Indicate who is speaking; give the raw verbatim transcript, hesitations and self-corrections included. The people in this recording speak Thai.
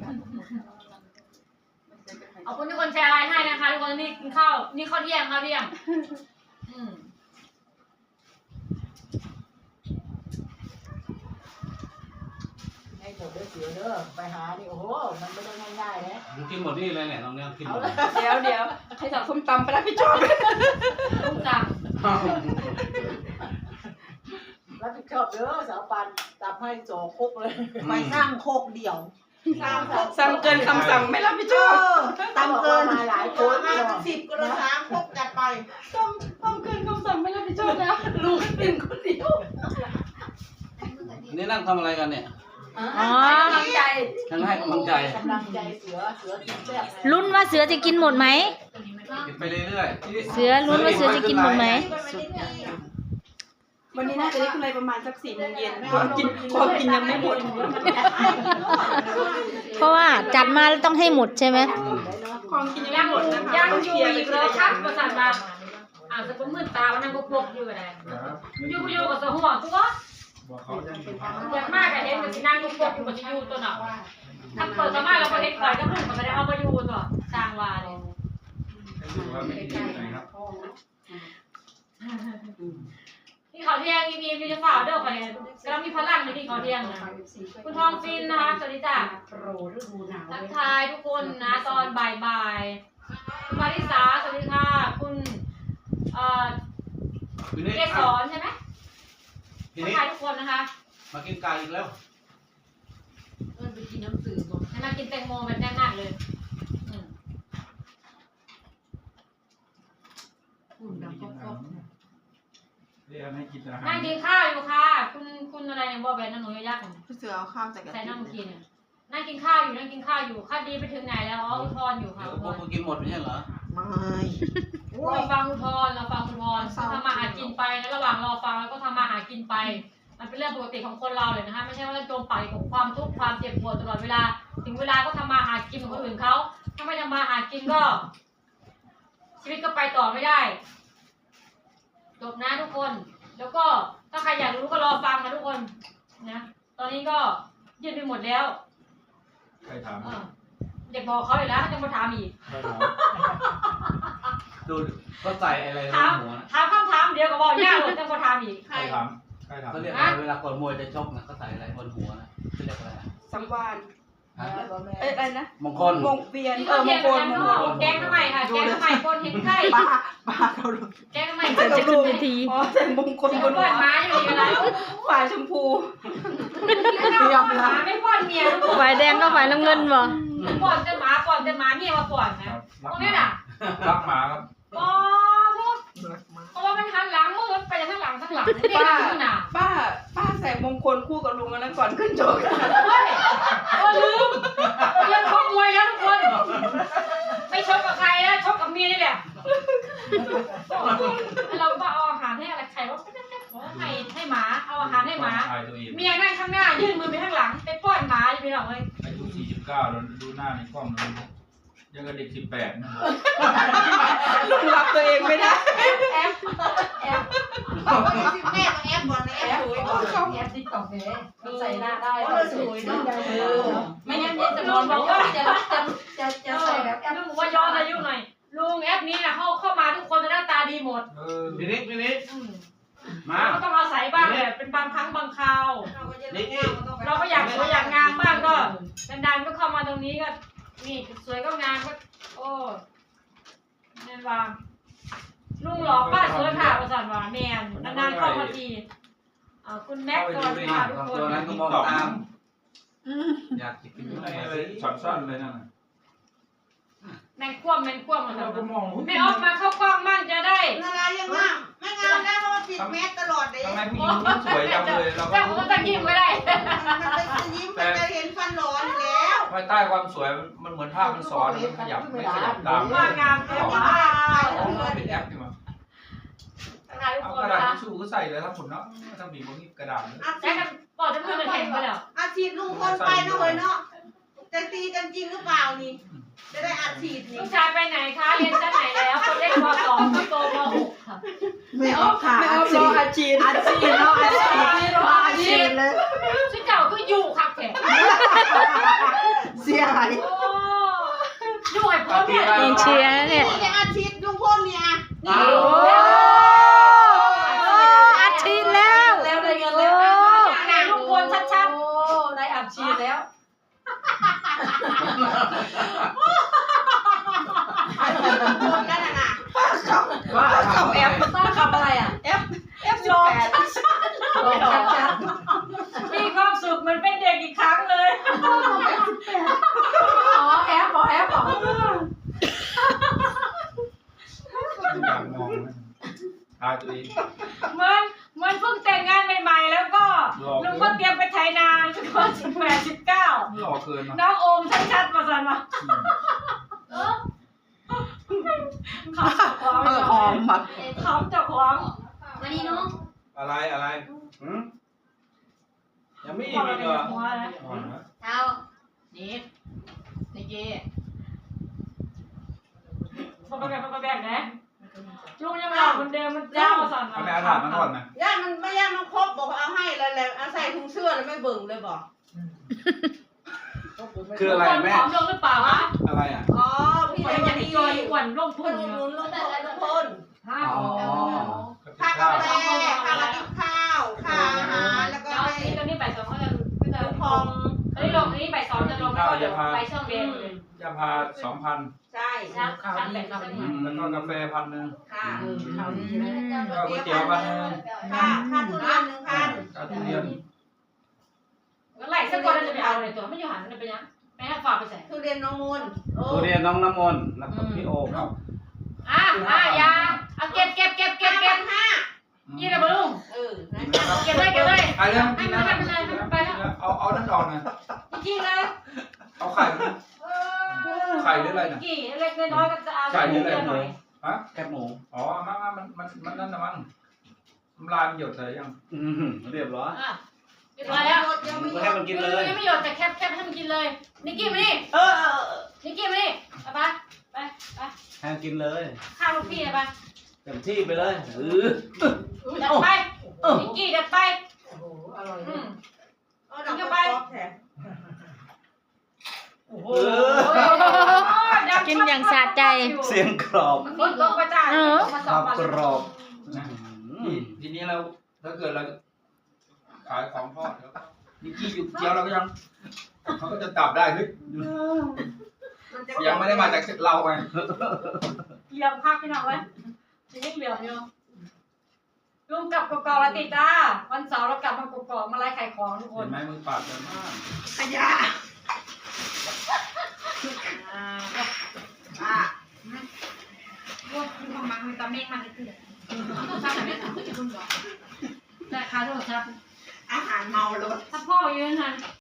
Speaker 1: เอาคุณทุกคนแชร์ไลน์ให้นะคะทุกคนนี่กินข้าวนี่ข้าวเที่ยงข้าวเที่ยงอืม
Speaker 2: ให้จบด้วยเสือเด้อไปหาดิโอ้โหมันไม่ได้ง่ายๆนะ
Speaker 3: มึงกินหมดนี่เลยเนี่ยน้องเนี่ยกินหมด
Speaker 4: เดี๋ยวเดี๋ยวใครสั่งส้มตำไปรับผิดชอบ
Speaker 1: ลูกจัง
Speaker 2: รับผิดชอบเด้อสาวปันจับให้โจคุกเลย
Speaker 5: ไปสร้างโคกเดี่ยว
Speaker 4: สั่งเกินคำสั่งไม่รับผิดชอบ
Speaker 5: ตามเกิน
Speaker 2: มาหลายคน
Speaker 5: มาสิบกระสามโคกจัดไป
Speaker 4: ต้มต้มเกินคำสั่งไม่รับผิดชอบนะลูกกินคนเดียว
Speaker 3: นี่นั่งทำอะไรกันเนี่ย
Speaker 6: อ๋อ
Speaker 1: กำลังใจ
Speaker 3: ทั้งให้กำลังใจ
Speaker 2: กำลังใจเสือเสือกินแซ่บ
Speaker 6: ลุ้นว่าเสือจะกินหมดไหม
Speaker 3: กินไปเรื่อยๆ
Speaker 6: เสือลุ้นว่าเสือจะกินหมดไหม
Speaker 4: วันนี้น่าจะได้กำไรประมาณสักสี่โมงเย็นความกินความกินยังไม่หมด
Speaker 6: เพราะว่าจัดมาแล้วต้องให้หมดใช่ไหม
Speaker 4: ความกินยัง
Speaker 1: ยั
Speaker 4: ไม่
Speaker 1: ง
Speaker 4: หมดนะคะ
Speaker 1: ยังอยู่อีกเลยครับประสานมาอ่านสกุลมื่นตาวันนั้นก็พกอยู่อะไรอยู่อยู่กับสหัวตัวอย่างมากอะเห็นกับที่นั่งก็พกอยู่กับที่อยู่ตัวหนาถ้าเปิดสามารถเราไปเห็นก่อนก็พุ่งก็ไม่ได้เอามาอยู่ตัวจางวาเลยที่เขาเที่ยงมีมีจะฝ่าเด้อไปแล้วมีพลังในที่เขาเที่ยงนะคุณทองฟินนะคะสวัสดีจ้า
Speaker 5: โปรฤดูหนาว
Speaker 1: ทักทายทุกคนนะตอนบ่ายๆคุณมาริสาสวัสดีค่ะคุณเอ่อ
Speaker 3: ทีนี้
Speaker 1: เกสรใช่ไหม
Speaker 3: ที
Speaker 1: ทัก
Speaker 3: นี้
Speaker 1: ทายทุกคนนะคะ
Speaker 3: มากินไก่อีกแล้ว
Speaker 5: เออไปกินน้ำสื่อก่อน
Speaker 1: ให้มากินแตงโมแบบแน่นๆเลยอืม
Speaker 5: อุ่นดังก๊อก
Speaker 7: เรียกให้กินอาหาร
Speaker 1: นั่งกินข้าวอยู่ค่ะ คุณคุณอะไรเนี่ยบอกแบนนั่งหนูยักษ์
Speaker 4: พี่เสือเอาข้าวใส่กระ
Speaker 1: ใส่
Speaker 4: ติ
Speaker 1: นั่ง
Speaker 4: ก
Speaker 1: กินเนี่ยนั่งกินข้าวอยู่นั่งกินข้าวอยู่ข้าวดีไปถึงไหนแล้วอ๋ออุทธรอยู่ค่ะ
Speaker 3: เดี๋ยว
Speaker 1: อุท
Speaker 3: พวก
Speaker 1: ธร
Speaker 3: มึงกินหมดไม่ใช่เหรอ
Speaker 5: ไม่
Speaker 1: เราฟังอุทธรเราฟังอุทธรก็ทำมาหากินไปแล้วระหว่างรอฟังแล้วก็ทำมาหากินไป มันเป็นเรื่องปกติของคนเราเลยนะคะไม่ใช่ว่าจมปากกับความทุกข์ความเจ็บปวดตลอดเวลาถึงเวลาก็ทำมาหากินของคนอื่นเขาถ้าไม่ทำมาหากินก็ ชีวิตก็ไปต่อไม่ได้จบนะทุกคน แล้วก็ถ้าใครอยากรู้ก็รอฟังนะทุกคนนะตอนนี้ก็ยืดไปหมดแล้ว
Speaker 7: ใครถาม
Speaker 1: เอออยากบอกเขาอยู่แล้วเขาจะมาถามอีก
Speaker 7: ใครถาม
Speaker 3: ดูก็ใส่อะไรใน
Speaker 1: ถาม
Speaker 3: หัวนะ
Speaker 1: ถามคำถามเดียวก็บอกยากเลยจะมาถามอีก
Speaker 7: ใครถามใครถาม
Speaker 3: เขาเรียกอะไรเวลาก่อนมวยจะชกนะเขาใส่อะไรบนหัวนะเขาเรียกอะไร
Speaker 4: สังวาน
Speaker 3: ฮะ
Speaker 4: เอ้ยอะไรนะ
Speaker 3: มงคล
Speaker 4: มงเวียน
Speaker 1: นี่
Speaker 4: เอ
Speaker 1: ก็
Speaker 4: อม
Speaker 1: เทีย
Speaker 4: ง
Speaker 1: น
Speaker 4: ค
Speaker 1: กั
Speaker 4: ล
Speaker 1: น
Speaker 4: มง
Speaker 1: ก็
Speaker 4: คล
Speaker 1: แกงทำไมค่ะแกงทำไมคนเห็นไข่
Speaker 4: ป้าป้าเขาลง
Speaker 1: แกงทำไม
Speaker 6: จะขึ้นเวที
Speaker 4: อ๋อใส่มงคล
Speaker 1: คน
Speaker 4: บบ น
Speaker 1: น
Speaker 4: หัว
Speaker 1: ม้าอยู่อยู่แล้ว
Speaker 4: ฝ่ายชมพู
Speaker 1: หมาไม่ป้อนเมียทุกคน
Speaker 6: ฝ่ายแดงก็ฝ่ายน้ำเงินบ่
Speaker 1: ป้อนแต่หมาป้อนแต่หมาเมียมาป้อนนะตรงนี้น่ะ
Speaker 7: รักหมาครับ
Speaker 1: ป้อนทุกเพราะว่ามันหันหลังมือไปทั้งหลังทั้งหลังเด็กนั่นน่ะ
Speaker 4: ป้าป้าใส่มงคลคู่กับลุงแล้วนะก่อนขึ้นโจก
Speaker 1: เฮ้ยเออลืมเรื่องชกมวยแล้วทุกคน ไม่ชกกับใครนะชกกับเมียนี่แหละเราก็เอาอาหารให้อะไรใครว่าให้ให้หมาเอาอาหารให้หมา
Speaker 7: ชายตัวเอง
Speaker 1: เมียนั่งข้างหน้ายื่นมือไปข้างหลังไปป้อนหมาอยู่ไปหรอกเลย
Speaker 7: อายุสี่สิบเก้าแล้วดูหน้าในกล้องแล้วยังกับเด็กสิบแปดนะ
Speaker 4: ลุงรับตัวเองไม่ได้
Speaker 1: แอปแอปแอป
Speaker 5: แม่มาแอปก่อนนะแอปสวยก่อน
Speaker 1: แอปติ๊กต็อกเนี่ยใส่หน้าได้
Speaker 5: เออสวยเนาะ
Speaker 1: ไม่งั้นเนี่ยจะบอกว่าจะจะจะจะใส่แบบแอปลุงว่าย้อนอายุหน่อยลุงแอปนี้นะเข้าเข้ามาทุกคนจะหน้าตาดีหมด
Speaker 7: เออ
Speaker 3: พี่นิกพี่นิกมา
Speaker 1: เราก็ต้องอาศัยบ้างแหละเป็นบางครั้งบางคราว
Speaker 3: นี่
Speaker 1: เราก็อยากสวยอยากงามบ้างก็ดันๆก็เข้ามาตรงนี้ก็นี่สวยก็งามก็โอ้แม่นว่าลุงหล่อป้าสวยค่ะประสานว่าแมนนานๆเข้ามาทีอ่าคุณแม็กก่อนค่ะทุกคน
Speaker 3: ตัวนั้นก็มองตามอยากกิน
Speaker 7: อะ
Speaker 3: อะไร ไร
Speaker 7: ช็อตสั้นเลยนั่น
Speaker 1: แมงคว่ำแมงคว่ำอะไร
Speaker 7: เราก็มอง
Speaker 1: ไม่ออกมาเข้ากล้องมั่งจะได้
Speaker 5: นารายังงามไม่งามได้เพราะว่าปิดแมสตลอดเลย
Speaker 7: ทำไมผู้หญิงสวยจังเลยเราก็
Speaker 1: เจ้าก็ต้องยิ้มก็ได้
Speaker 5: มันจะยิ้มมันจะเห็นฟันหลอนอยู่แล้ว
Speaker 7: ภายใต้ความสวยมันเหมือนภาพมันซ้อนมันขยับไม่ขยับตาม
Speaker 1: ว่างามแต่ว่า
Speaker 7: เป็นแอปใช่ไหม
Speaker 1: ถ่ายทุก
Speaker 7: เอา
Speaker 1: ค
Speaker 7: ก
Speaker 1: น
Speaker 7: ระดาษ
Speaker 1: นะ
Speaker 7: ทิชชู่ก็ใส่เลยครับผมเนาะถ้าบีบพวกนี้กระดาษ
Speaker 5: อา
Speaker 1: แจ็
Speaker 5: ชี
Speaker 1: คกันปอดจะพูดกันแข่งไปแล้ว
Speaker 5: อาชีพลุงคนไปนะเว้ยเนาะจะตีกันจริงหรือเปล่านี่จะได้อาชีพนี่
Speaker 1: ลูกชายไปไหนคะเรียนชั้นไหนแล้วคนเล็กมสองคนโตมหกค่ะ
Speaker 5: ไม่ออกค่ะ
Speaker 4: ไม่เอารออาชีพ
Speaker 5: อาชีพเนาะอาชีพ
Speaker 1: รออาชีพ
Speaker 5: เลย
Speaker 1: ชุดเจ้าก็อยู่ค่ะแขก
Speaker 5: เสียหาย
Speaker 6: กองเชียร์เนี่ย
Speaker 5: นี่ได้อาชีพลุงพลเนี่ยนี่
Speaker 3: อ้าว
Speaker 6: โอ้อัดฉีดแล้ว
Speaker 4: แล้วได้เงินแล้ว
Speaker 6: โอ้
Speaker 1: ไหนลุงพลชัด
Speaker 4: โอ้ได้อัดฉีดแล้ว
Speaker 5: คนนั่นน่ะ
Speaker 2: ว่า
Speaker 4: ขับแอปต้องขับอะไรอ่ะ F F สิบแปดชัด
Speaker 1: ๆมีความสุขเหมันเป็นเด็กอีกครั้งเลย
Speaker 4: อ๋อแอปอ๋อแอปอ๋อ
Speaker 7: อยากมองนะทายตัวเอง
Speaker 1: เหมือนเหมือนเพิ่งแต่งงานใหม่ๆแล้วก็
Speaker 7: หลอก
Speaker 1: ลุงก็เตรียมไปไถนาสักคนสิบแปดสิบเก้า
Speaker 7: หล่อเกินเนาะ
Speaker 1: น้องโอมชัดๆมาสันมาเออเขาเจับของ
Speaker 2: เออหอมมา
Speaker 1: เขาเจับของ
Speaker 4: มานี่น้อง
Speaker 7: อะไรอะไรหืมยังไม่
Speaker 1: พ
Speaker 7: อี
Speaker 1: อก เรา
Speaker 7: เห
Speaker 1: ใน
Speaker 7: รอ
Speaker 1: หัวนะ
Speaker 7: อ๋อนะ
Speaker 4: เท้านี่นี่เก้
Speaker 1: พอไปแบกพอไปแบกนะลุงยังหล่อเหมือนเดิมมันเจ้ามาสัน
Speaker 7: เอาไปอาถรรพ์มันก่อนนะ
Speaker 5: ย่ามันไม่ย่ามันครบบอกเอาให้แล้วแล้วเอาใส่ถุงเสื้อแล้วไม่เบิ่งเลยบอก
Speaker 3: คืออะไรแม่
Speaker 1: ผอมลงหรือเปล่าวะ
Speaker 3: อะไรอ่ะ
Speaker 5: อ๋อพี่
Speaker 1: ค
Speaker 5: เด็
Speaker 1: น
Speaker 5: ก
Speaker 1: อย่าง
Speaker 5: ดี
Speaker 1: นี้จอยอ้วนร่ม
Speaker 5: ค
Speaker 1: พุ่
Speaker 5: น
Speaker 1: ง
Speaker 5: อุดหนุนลุงพลทุกคน
Speaker 1: ห้า
Speaker 3: อ๋อ
Speaker 5: ค่ากาแฟค่ามากินข้าวค่าอาหารแล้วก็
Speaker 1: แล้ว
Speaker 5: ให้
Speaker 1: นี่ตอนนี้บ่ายสองก็จะก็จะ
Speaker 5: ลุงพอง
Speaker 1: ตอนนี้ลงนี้บ่ายสองจะลงแล้วก็เดี๋ยวไปช่องเรียนเลย
Speaker 7: ยาพาสองพัน
Speaker 5: ใช่
Speaker 1: ชักชักแบบชัก
Speaker 7: แล้วก็กาแฟพันหนึ่ง
Speaker 5: ค่ะ
Speaker 4: ข่าวดีนะ
Speaker 7: ก็ก๋วยเตี๋ยวพันหนึ่ง
Speaker 5: ค่าค่าทุเรียนหนึ่งพัน
Speaker 7: กาทุเรียน
Speaker 1: แล้วไหลสักคนจะไปเอาเลยตัวไม่อยู่หันไปยังไปให้ฝากไปใส่
Speaker 5: ทุเรียนน้องมูลโอ้
Speaker 3: ทุเรียนน้องน้ำมนต์แล้วก็พี่โอม
Speaker 7: ครับ
Speaker 1: อ่ะอ่ะยาเอาเก็บเก็บเก็บเก็บเก็บ
Speaker 5: ห้า
Speaker 1: ยี่เลยบลุง
Speaker 5: เออนะ
Speaker 1: เก็บเลยเก็บเลย
Speaker 7: ไอ้เรื่องกินนะ
Speaker 1: ไม่เป็นไรไม่เป็นไร
Speaker 7: เอาเอานั่นออกนะ
Speaker 1: จริงเลย
Speaker 7: เอาไข่มันไข่หรืออะไรนะ
Speaker 1: กี่เล็กน้อยก็จะเอา
Speaker 7: ไข่หรืออะไร
Speaker 1: หน่อย
Speaker 7: ฮะ
Speaker 3: แคบหมู
Speaker 7: อ๋อมามามันมันมันนั่นนะมั้งน้ำลายมันหยดใส่ยัง
Speaker 3: อืมเรียบร้อย
Speaker 1: อ่ะเรียบร้อยแล้ว
Speaker 5: ยังไม่
Speaker 3: ก็ให้มันกินเลย
Speaker 1: ยังไม่หยดแต่แคบแคบให้มันกินเลยนิกกี้มานี่
Speaker 5: เออเออ
Speaker 1: นิกกี้มานี่ไปไปไป
Speaker 3: ให้มันกินเลย
Speaker 1: ข้าวลูกพี่ไป
Speaker 3: เต็มที่ไปเลยเออ
Speaker 1: เด็ดไปนิกกี้เด็ดไป
Speaker 2: โอ้โหอร่อย
Speaker 1: อืม
Speaker 5: เออดอกกระป๋องแท้
Speaker 7: โอ้โห
Speaker 3: เออ
Speaker 6: กินอย่างสะใจ
Speaker 3: เสียงกรอบ
Speaker 1: มันลดลงไปจ้า
Speaker 6: เออ
Speaker 1: มาส
Speaker 3: ค
Speaker 1: อ
Speaker 3: รั
Speaker 1: ง
Speaker 3: บ
Speaker 1: วัน
Speaker 3: กรอบ
Speaker 7: นะ
Speaker 3: อื
Speaker 7: ที
Speaker 3: ม
Speaker 7: ทีนี้เราถ้าเกิดเราขายของทอดแล้วก็นิกกี้หยุดเจียวเราก็ยังเขาก็จะจับได้เฮ้ย
Speaker 5: มันจะ
Speaker 7: ยังไม่ได้มาจากเราไง
Speaker 1: เหลี่ยมพักพี่น้องไว้จะยิ่งเหลี่ยมอยู่ลุงกลับกอกๆแล้วติดจ้าวันเสาร์เรากลับมากอกๆมาไล่ขายของทุกค
Speaker 7: เห็
Speaker 1: น
Speaker 7: นไหมมือปาดเลยมาก
Speaker 5: ขยะ
Speaker 1: อ่า
Speaker 5: อ่ะ
Speaker 1: พวกคุณของมันมีตาเมฆมันจะขึ้นต้องทำแบบนี้ต้องจะคุณก่อนแต่ค่าโทรศัพท์
Speaker 5: อาหารเมารถ
Speaker 1: ถ้าพ่อยืนหัน